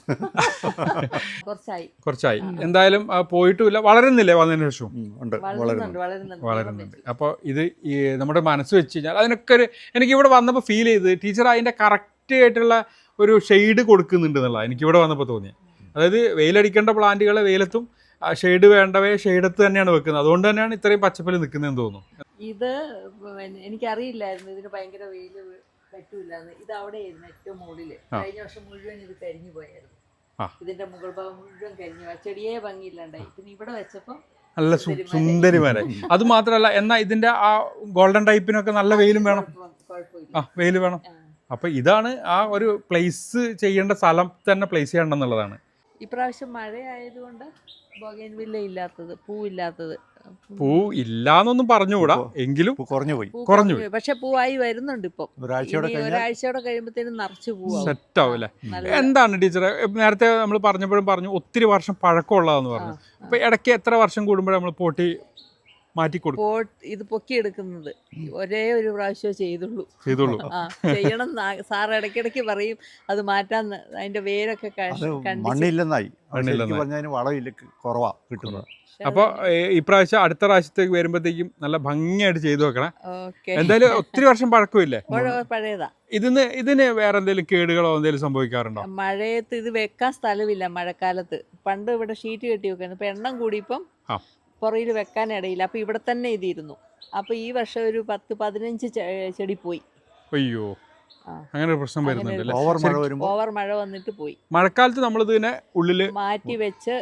കുറച്ചായി. എന്തായാലും പോയിട്ടുമില്ല, വളരുന്നില്ലേ വന്നതിന് ശേഷം? വളരുന്നുണ്ട്. അപ്പോൾ ഇത് ഈ നമ്മുടെ മനസ്സ് വെച്ച് കഴിഞ്ഞാൽ അതിനൊക്കെ ഒരു, എനിക്ക് ഇവിടെ വന്നപ്പോൾ ഫീൽ ചെയ്ത് ടീച്ചർ അതിൻ്റെ കറക്റ്റ് ആയിട്ടുള്ള ഒരു ഷെയ്ഡ് കൊടുക്കുന്നുണ്ട് എന്നുള്ളത് എനിക്കിവിടെ വന്നപ്പോൾ തോന്നിയത്. അതായത് വെയിലടിക്കേണ്ട പ്ലാന്റുകളെ വെയിലത്തും, ഷെയ്ഡ് വേണ്ടവയെ ഷെയ്ഡത്ത് തന്നെയാണ് വെക്കുന്നത്. അതുകൊണ്ട് തന്നെയാണ് ഇത്രയും പച്ചപ്പിൽ നിൽക്കുന്നതെന്ന് തോന്നുന്നു.
ഇത് എനിക്കറിയില്ലായിരുന്നു ഇതിന് ഭയങ്കര വെയിൽ പറ്റൂലെന്ന്. ഇത് അവിടെ ആയിരുന്നു ഏറ്റവും മുകളില്. കഴിഞ്ഞ വർഷം മുഴുവൻ ഇത് കരിഞ്ഞു പോയായിരുന്നു. ഇതിന്റെ മുകൾ ഭാഗം മുഴുവൻ കരിഞ്ഞു പോയി, ചെടിയെ ഭംഗിയില്ലാണ്ടായി. പിന്നെ ഇവിടെ വെച്ചപ്പോ
നല്ല സുന്ദരിമാരായി. അത് മാത്രമല്ല, എന്നാൽ ഇതിന്റെ ആ ഗോൾഡൻ ടൈപ്പിനൊക്കെ നല്ല വെയിലും വേണം. വെയിൽ വേണം. അപ്പൊ ഇതാണ് ആ ഒരു പ്ലേസ് ചെയ്യേണ്ട സ്ഥലം തന്നെ പ്ലേസ് ചെയ്യണം എന്നുള്ളതാണ്.
ഇപ്രാവശ്യം മഴയായതുകൊണ്ട് ബൊഗൈൻവില്ല ഇല്ലാത്തത്, പൂവില്ലാത്തത്.
പൂ ഇല്ലാന്നൊന്നും പറഞ്ഞുകൂടാ, എങ്കിലും കുറഞ്ഞു.
പക്ഷെ പൂവായി വരുന്നുണ്ട്. ഇപ്പൊ ഒരാഴ്ചയോടെ കഴിയുമ്പോഴത്തേനും നിറച്ച് പൂവാകും,
സെറ്റ് ആവും അല്ലേ? എന്താണ് ടീച്ചറെ, നേരത്തെ നമ്മൾ പറഞ്ഞപ്പോഴും പറഞ്ഞു ഒത്തിരി വർഷം പഴക്കമുള്ളതെന്ന് പറഞ്ഞു. അപ്പൊ ഇടയ്ക്ക് എത്ര വർഷം കൂടുമ്പോഴേ നമ്മൾ പോട്ടി മാറ്റി കൊടുക്കും?
ഇത് പൊക്കിയെടുക്കുന്നത് ഒരേ ഒരു പ്രാവശ്യം ചെയ്തുള്ളൂ. ചെയ്യണം. സാർ ഇടയ്ക്കിടയ്ക്ക് പറയും അത് മാറ്റാൻ, അതിന്റെ വേരൊക്കെ
മണ്ണില്ലെന്നായി വളമില്ല, കുറവാ കിട്ടുന്നത്.
അപ്പോൾ ഇപ്രാവശ്യം അടുത്ത പ്രാവശ്യത്തേക്ക് വരുമ്പോഴത്തേക്കും നല്ല ഭംഗിയായിട്ട് ചെയ്തു വെക്കണം. എന്തായാലും ഒത്തിരി വർഷം പഴക്കമില്ലേ?
പഴയതാ.
ഇതിന് വേറെ എന്തെങ്കിലും കേടുകളോ എന്തെങ്കിലും സംഭവിക്കാറുണ്ടോ?
മഴയത്ത് ഇത് വെക്കാൻ സ്ഥലമില്ല. മഴക്കാലത്ത് പണ്ട് ഇവിടെ ഷീറ്റ് കെട്ടി വെക്കുന്നു. ഇപ്പൊ എണ്ണം കൂടിയപ്പം പുറയിൽ വെക്കാൻ ഇടയില്ല. അപ്പൊ ഇവിടെ തന്നെ ഇതിരുന്നു. അപ്പൊ ഈ വർഷം ഒരു 10-15 ചെടി പോയി.
അയ്യോ, അങ്ങനെ ഒരു പ്രശ്നം വരുന്നുണ്ട്.
ഓവർ മഴ വന്നിട്ട് പോയി.
മഴക്കാലത്ത് നമ്മൾ ഇതിനെ ഉള്ളില്
മാറ്റി വെച്ച്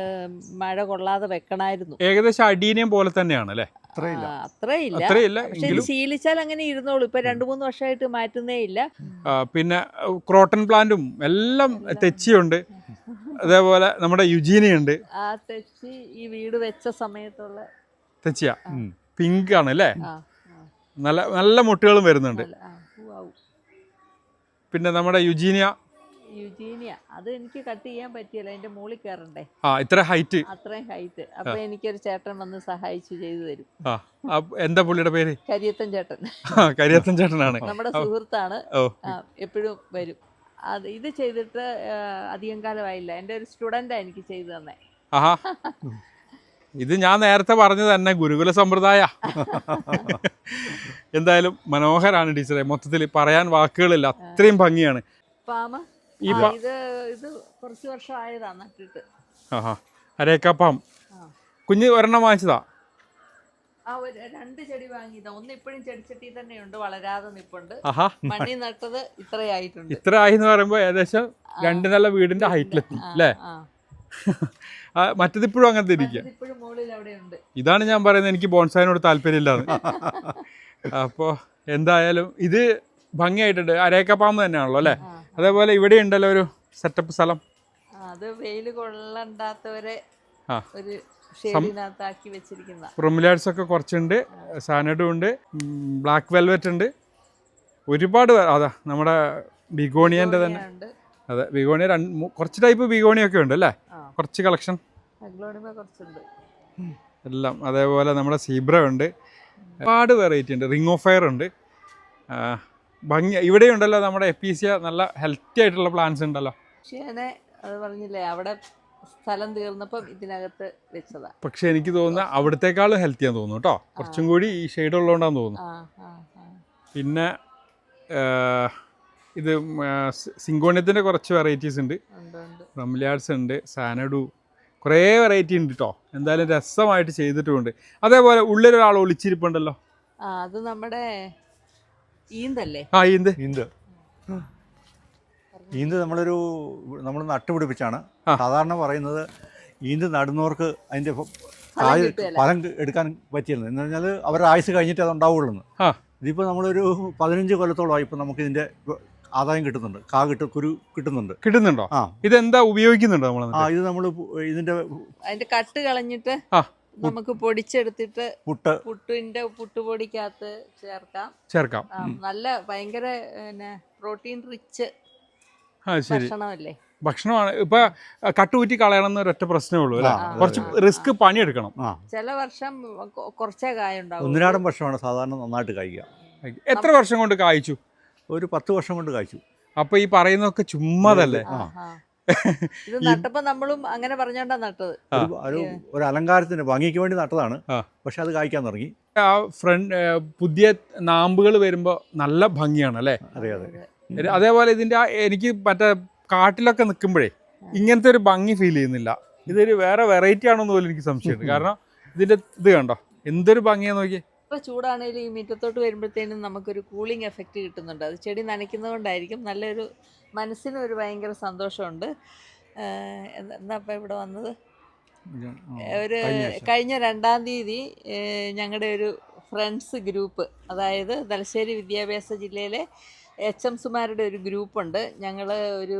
മഴ കൊള്ളാതെ വെക്കണമായിരുന്നു.
ഏകദേശം അടീനിയം പോലെ തന്നെയാണ് അല്ലേ?
അത്രയില്ല. പക്ഷെ ശീലിച്ചാൽ അങ്ങനെ ഇരുന്നോളൂ. ഇപ്പൊ 2-3 വർഷമായിട്ട് മാറ്റുന്നേ ഇല്ല.
പിന്നെ ക്രോട്ടൺ പ്ലാന്റും എല്ലാം തെച്ചിയുണ്ട്. അതേപോലെ നമ്മുടെ യുജീനിയുണ്ട്.
ആ തെച്ചി ഈ വീട് വെച്ച സമയത്തുള്ള
തെച്ചിയ പിങ്ക് ആണ് അല്ലേ? നല്ല നല്ല മുട്ടുകളും വരുന്നുണ്ട്. പിന്നെ നമ്മുടെ യുജീനിയ
അത് എനിക്ക് കട്ട് ചെയ്യാൻ പറ്റിയല്ല, അതിന്റെ മുകളിൽ കയറണ്ടേ.
അത്രയും ഹൈറ്റ്.
അപ്പൊ എനിക്കൊരു ചേട്ടൻ വന്ന് സഹായിച്ചു ചെയ്തു തരും.
എന്താ പുള്ളിയുടെ പേര്?
കരിയത്തൻ ചേട്ടൻ.
കരിയത്തൻ ചേട്ടനാണ്
നമ്മുടെ സുഹൃത്താണ്. എപ്പോഴും വരും. ഇത് ചെയ്തിട്ട് അധികം കാലമായില്ല. എൻ്റെ ഒരു സ്റ്റുഡൻ്റാണ് എനിക്ക് ചെയ്തു തന്നെ.
ഇത് ഞാൻ നേരത്തെ പറഞ്ഞത് തന്നെ ഗുരുകുല സമ്പ്രദായ. എന്തായാലും മനോഹരാണ് ടീച്ചറെ, മൊത്തത്തിൽ പറയാൻ വാക്കുകളില്ല, അത്രയും ഭംഗിയാണ്.
ഇത് കുറച്ച് വർഷം ആയതാ നട്ടിട്ട്.
അരേക്കാപ്പം കുഞ്ഞ് ഒരെണ്ണം വാങ്ങിച്ചതാ?
2 ചെടി വാങ്ങിയതാ. ഒന്ന് ഇപ്പോഴും ചെടിച്ചട്ടി തന്നെയുണ്ട്, വളരാതെ നിപ്പുണ്ട്. മണ്ണി നട്ടത് ഇത്രയായിട്ടുണ്ട്.
ഇത്ര ആയി എന്ന് പറയുമ്പോ ഏകദേശം 2 നില വീടിന്റെ ഹൈറ്റിലെത്തി അല്ലേ? മറ്റത് ഇപ്പോഴും അങ്ങനത്തെ ഇരിക്കുക. ഇതാണ് ഞാൻ പറയുന്നത്, എനിക്ക് ബോൺസായിനോട് താല്പര്യമില്ലാന്ന്. അപ്പോൾ എന്തായാലും ഇത് ഭംഗിയായിട്ടുണ്ട്. അരേക്കപ്പാമ്പ് തന്നെയാണല്ലോ അല്ലേ? അതേപോലെ ഇവിടെ ഉണ്ടല്ലോ ഒരു സെറ്റപ്പ് സ്ഥലം.
അത് വെയിൽ കൊള്ളണ്ടാത്തവരെ ഒരു
ബ്രൊമിലാഡ്സ് ഒക്കെ കുറച്ചുണ്ട്, സാനഡും ഉണ്ട്, ബ്ലാക്ക് വെൽവെറ്റ് ഉണ്ട്, ഒരുപാട്. അതാ നമ്മുടെ ബിഗോണിയൻ്റെ തന്നെ. അതെ, ബിഗോണിയ കുറച്ച് ടൈപ്പ് ബിഗോണിയൊക്കെ ഉണ്ട് അല്ലേ? കുറച്ച് കളക്ഷൻ എല്ലാം. അതേപോലെ നമ്മുടെ സീബ്ര ഉണ്ട്, ഒരുപാട് വെറൈറ്റി ഉണ്ട്. റിംഗ് ഓഫ് ഫയർ ഉണ്ട്. ഭംഗി ഇവിടെ ഉണ്ടല്ലോ നമ്മുടെ എപ്പീസിയ, നല്ല ഹെൽത്തി ആയിട്ടുള്ള പ്ലാന്റ്സ് ഉണ്ടല്ലോ.
അത് പറഞ്ഞില്ലേ, അവിടെ സ്ഥലം തീർന്നപ്പം ഇതിനകത്ത് വെച്ചതാ.
പക്ഷെ എനിക്ക് തോന്നുന്ന അവിടത്തേക്കാളും ഹെൽത്തിയാന്ന് തോന്നുന്നു കേട്ടോ. കുറച്ചും കൂടി ഈ ഷെയ്ഡ് ഉള്ളതുകൊണ്ടാന്ന് തോന്നുന്നു. പിന്നെ ഇത് സിങ്കോണിയത്തിൻ്റെ കുറച്ച് വെറൈറ്റീസ് ഉണ്ട്. റംലിയാഡ്സ് ഉണ്ട്, സാനഡു, കുറേ വെറൈറ്റി ഉണ്ട് കേട്ടോ. എന്തായാലും രസമായിട്ട് ചെയ്തിട്ടുമുണ്ട്. അതേപോലെ ഉള്ളിലൊരാൾ ഒളിച്ചിരിപ്പുണ്ടല്ലോ.
അത് നമ്മുടെ ഈന്തല്ലേ?
ആ ഈന്ത്
ഈന്ത് നമ്മൾ നട്ടുപിടിപ്പിച്ചാണ്. സാധാരണ പറയുന്നത് ഈന്ത് നടുന്നവർക്ക് അതിൻ്റെ ഫലം എടുക്കാൻ പറ്റിയിരുന്നത് എന്ന് പറഞ്ഞാൽ അവരുടെ ആയുസ് കഴിഞ്ഞിട്ട് അത് ഉണ്ടാവുള്ളൂ. ഇതിപ്പോൾ നമ്മളൊരു 15 കൊല്ലത്തോളമായി ഇപ്പം നമുക്കിതിൻ്റെ ആദായം കിട്ടുന്നുണ്ട്. കുരു കിട്ടുന്നുണ്ടോ? ആ,
ഇതെന്താ ഉപയോഗിക്കുന്നുണ്ടോ നമ്മൾ?
ഇത് നമ്മൾ
അതിന്റെ കട്ട് കളഞ്ഞിട്ട് നമുക്ക് പൊടിച്ചെടുത്തിട്ട് പുട്ടിന്റെ പുട്ടുപൊടിക്കകത്ത് ചേർക്കാം. നല്ല ഭയങ്കര പ്രോട്ടീൻ റിച്ച് ഭക്ഷണമല്ലേ.
ഭക്ഷണമാണ്. ഇപ്പൊ കട്ടുകൂറ്റി കളയണം എന്നൊരൊറ്റ പ്രശ്നമേ ഉള്ളൂ അല്ലേ? കുറച്ച് റിസ്ക് പണിയെടുക്കണം.
ചില വർഷം കുറച്ചേ കായ ഉണ്ടാവും.
ഒന്നിനാടൻ വർഷമാണ് സാധാരണ നന്നായിട്ട് കായ്ക്കുക.
എത്ര വർഷം കൊണ്ട് കായ്ച്ചു?
ഒരു 10 വർഷം കൊണ്ട് കായ്ച്ചു.
അപ്പൊ ഈ പറയുന്നതൊക്കെ ചുമ്മാതല്ലേ?
ഇത് നട്ടപ്പോ നമ്മളും അങ്ങനെ പറഞ്ഞോണ്ടാ നട്ടത്.
ഒരു അലങ്കാരത്തിന് ഭംഗിക്ക് വേണ്ടി നട്ടതാണ്. പക്ഷെ അത് കായ്ക്കാൻ തുടങ്ങി.
ആ പുതിയ നാമ്പുകൾ വരുമ്പോ നല്ല ഭംഗിയാണ് അല്ലേ?
അതെ അതെ.
അതേപോലെ ഇതിന്റെ എനിക്ക് മറ്റേ കാട്ടിലൊക്കെ നിൽക്കുമ്പോഴേ ഇങ്ങനത്തെ ഒരു ഭംഗി ഫീൽ ചെയ്യുന്നില്ല. ഇതൊരു വേറെ വെറൈറ്റി ആണോന്ന് പോലും എനിക്ക് സംശയമുണ്ട്. കാരണം ഇതിന്റെ ഇത് കണ്ടോ എന്തൊരു ഭംഗിയാന്ന് നോക്കി.
ഇപ്പൊ ചൂടാണെങ്കിലും ഈ മുറ്റത്തോട്ട് വരുമ്പോഴത്തേനും നമുക്കൊരു കൂളിംഗ് എഫക്റ്റ് കിട്ടുന്നുണ്ട്. അത് ചെടി നനയ്ക്കുന്നതുകൊണ്ടായിരിക്കും. നല്ലൊരു മനസ്സിനൊരു ഭയങ്കര സന്തോഷമുണ്ട്. എന്താ ഇപ്പം ഇവിടെ വന്നത്, ഒരു കഴിഞ്ഞ 2-ാം തീയതി ഞങ്ങളുടെ ഒരു ഫ്രണ്ട്സ് ഗ്രൂപ്പ്, അതായത് തലശ്ശേരി വിദ്യാഭ്യാസ ജില്ലയിലെ HMSമാരുടെ ഒരു ഗ്രൂപ്പുണ്ട്. ഞങ്ങൾ ഒരു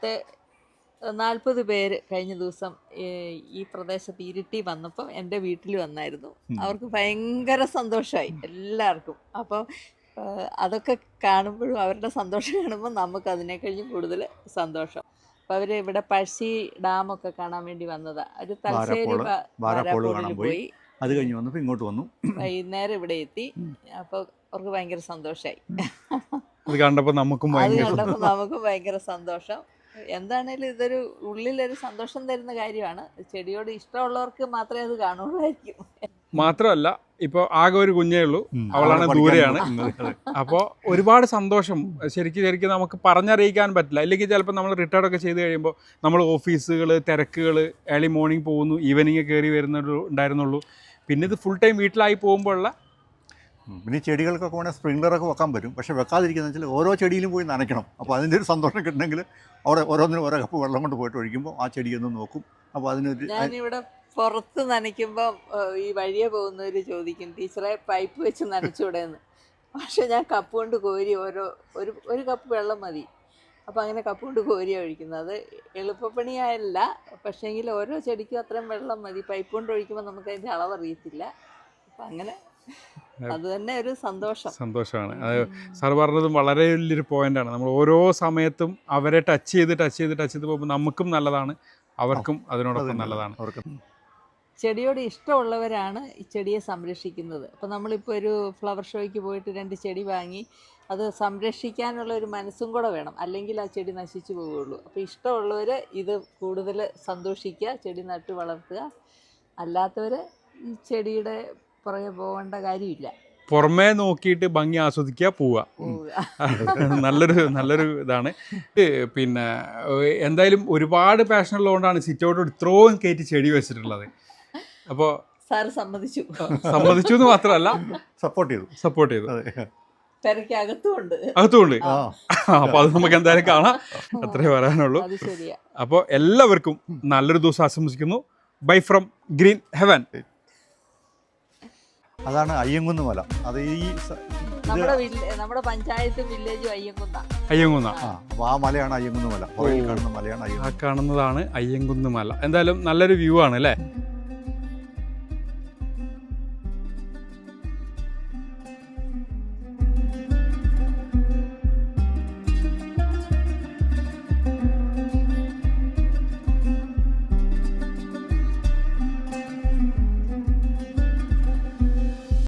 40 പേര് കഴിഞ്ഞ ദിവസം ഈ പ്രദേശത്ത് ഇരിട്ടി വന്നപ്പോൾ എൻ്റെ വീട്ടിൽ വന്നായിരുന്നു. അവർക്ക് ഭയങ്കര സന്തോഷമായി എല്ലാവർക്കും. അപ്പം അതൊക്കെ കാണുമ്പോഴും അവരുടെ സന്തോഷം കാണുമ്പോൾ നമുക്ക് അതിനെ കഴിഞ്ഞ് കൂടുതൽ സന്തോഷം. അപ്പം അവർ ഇവിടെ പഴശ്ശി ഡാമൊക്കെ കാണാൻ വേണ്ടി വന്നതാണ്. ഒരു തലശ്ശേരി ബാരാപ്പോളിൽ പോയി
അത് കഴിഞ്ഞ് വന്നപ്പോൾ ഇങ്ങോട്ട് വന്നു.
വൈകുന്നേരം ഇവിടെ എത്തി. അപ്പോൾ അവർക്ക് ഭയങ്കര സന്തോഷമായി.
അത് കണ്ടപ്പോൾ നമുക്കും
ഭയങ്കര സന്തോഷം. എന്താണേലും ഇതൊരു ഉള്ളിലൊരു സന്തോഷം തരുന്ന കാര്യമാണ്. ചെടിയോട് ഇഷ്ടമുള്ളവർക്ക് മാത്രമേ അത് കാണുള്ളായിരിക്കും.
മാത്രമല്ല ഇപ്പോൾ ആകെ ഒരു കുഞ്ഞേ ഉള്ളൂ, അവളാണ് ദൂരെയാണ്. അപ്പോൾ ഒരുപാട് സന്തോഷം ശരിക്കും നമുക്ക് പറഞ്ഞറിയിക്കാൻ പറ്റില്ല. ഇല്ലെങ്കിൽ ചിലപ്പോൾ നമ്മൾ റിട്ടയർഡൊക്കെ ചെയ്ത് കഴിയുമ്പോൾ നമ്മൾ ഓഫീസുകൾ തിരക്കുകൾ ഏർലി മോർണിംഗ് പോകുന്നു, ഈവനിങ് കയറി ഉണ്ടായിരുന്നുള്ളൂ. പിന്നെ ഇത് ഫുൾ ടൈം വീട്ടിലായി പോകുമ്പോഴുള്ള
പിന്നെ ചെടികൾക്കൊക്കെ വേണേൽ സ്പ്രിംഗ്ലറൊക്കെ വെക്കാൻ പറ്റും. പക്ഷേ വെക്കാതിരിക്കുന്ന വെച്ചാൽ ഓരോ ചെടിയിലും പോയി നനയ്ക്കണം. അപ്പോൾ അതിൻ്റെ ഒരു സന്തോഷം കിട്ടണമെങ്കിൽ അവിടെ ഓരോന്നിനും ഓരോ കപ്പ് വെള്ളം കൊണ്ട് പോയിട്ട് ഒഴിക്കുമ്പോൾ ആ ചെടിയൊന്നും നോക്കും. അപ്പോൾ അതിനൊരു
ഞാനിവിടെ പുറത്ത് നനയ്ക്കുമ്പോൾ ഈ വഴിയെ പോകുന്നവർ ചോദിക്കും, ടീച്ചറെ പൈപ്പ് വെച്ച് നനച്ചുകൂടെയെന്ന്. പക്ഷേ ഞാൻ കപ്പ് കൊണ്ട് കോരി ഒരു കപ്പ് വെള്ളം മതി. അപ്പോൾ അങ്ങനെ കപ്പ് കൊണ്ട് കോരിയാണ് ഒഴിക്കുന്നത്. അത് എളുപ്പപ്പണിയായല്ല, പക്ഷേങ്കിൽ ഓരോ ചെടിക്കും അത്രയും വെള്ളം മതി. പൈപ്പ് കൊണ്ട് ഒഴിക്കുമ്പോൾ നമുക്ക് അതിൻ്റെ അളവറിയത്തില്ല. അപ്പം അങ്ങനെ അത് തന്നെ ഒരു സന്തോഷമാണ്.
അത് സാർ പറഞ്ഞതും വളരെ വലിയൊരു പോയിന്റാണ്. നമ്മൾ ഓരോ സമയത്തും അവരെ ടച്ച് ചെയ്ത് പോകുമ്പോൾ നമുക്കും നല്ലതാണ്, അവർക്കും അതിനോടൊപ്പം നല്ലതാണ്.
ചെടിയോട് ഇഷ്ടമുള്ളവരാണ് ഈ ചെടിയെ സംരക്ഷിക്കുന്നത്. അപ്പോൾ നമ്മളിപ്പോൾ ഒരു ഫ്ലവർ ഷോയ്ക്ക് പോയിട്ട് 2 ചെടി വാങ്ങി അത് സംരക്ഷിക്കാനുള്ള ഒരു മനസ്സും കൂടെ വേണം, അല്ലെങ്കിൽ ആ ചെടി നശിച്ചു പോവുകയുള്ളൂ. അപ്പോൾ ഇഷ്ടമുള്ളവർ ഇത് കൂടുതൽ സന്തോഷിക്കുക, ചെടി നട്ട് വളർത്തുക. അല്ലാത്തവർ ഈ ചെടിയുടെ പുറകെ പോകേണ്ട കാര്യമില്ല.
പുറമേ നോക്കിയിട്ട് ഭംഗി ആസ്വദിക്കുക, പോവുക. നല്ലൊരു ഇതാണ്. പിന്നെ എന്തായാലും ഒരുപാട് പാഷൻ ഉള്ളതുകൊണ്ടാണ് സിറ്റൗട്ടോട് ഇത്രയും കയറ്റി ചെടി വെച്ചിട്ടുള്ളത്. അപ്പോൾ
സാറ് സമ്മതിച്ചു
എന്ന് മാത്രമല്ല
സപ്പോർട്ട് ചെയ്തു.
അകത്തുമുണ്ട്.
അപ്പോൾ അത് നമുക്ക് എന്തായാലും കാണാം, അത്രേ പറയാനുള്ളൂ. അപ്പോൾ എല്ലാവർക്കും നല്ലൊരു ദിവസം ആശംസിക്കുന്നു. Bye from Green Heaven.
അതാണ് അയ്യങ്കുന്ന് മല. അത്
നമ്മുടെ പഞ്ചായത്തും വില്ലേജും
അയ്യങ്കുന്ന.
അപ്പോൾ ആ മലയാണ് അയ്യങ്കുന്ന് മല. കാണുന്ന മലയാണ്
കാണുന്നതാണ് അയ്യങ്കുന്ന് മല. എന്തായാലും നല്ലൊരു വ്യൂ ആണ് അല്ലേ?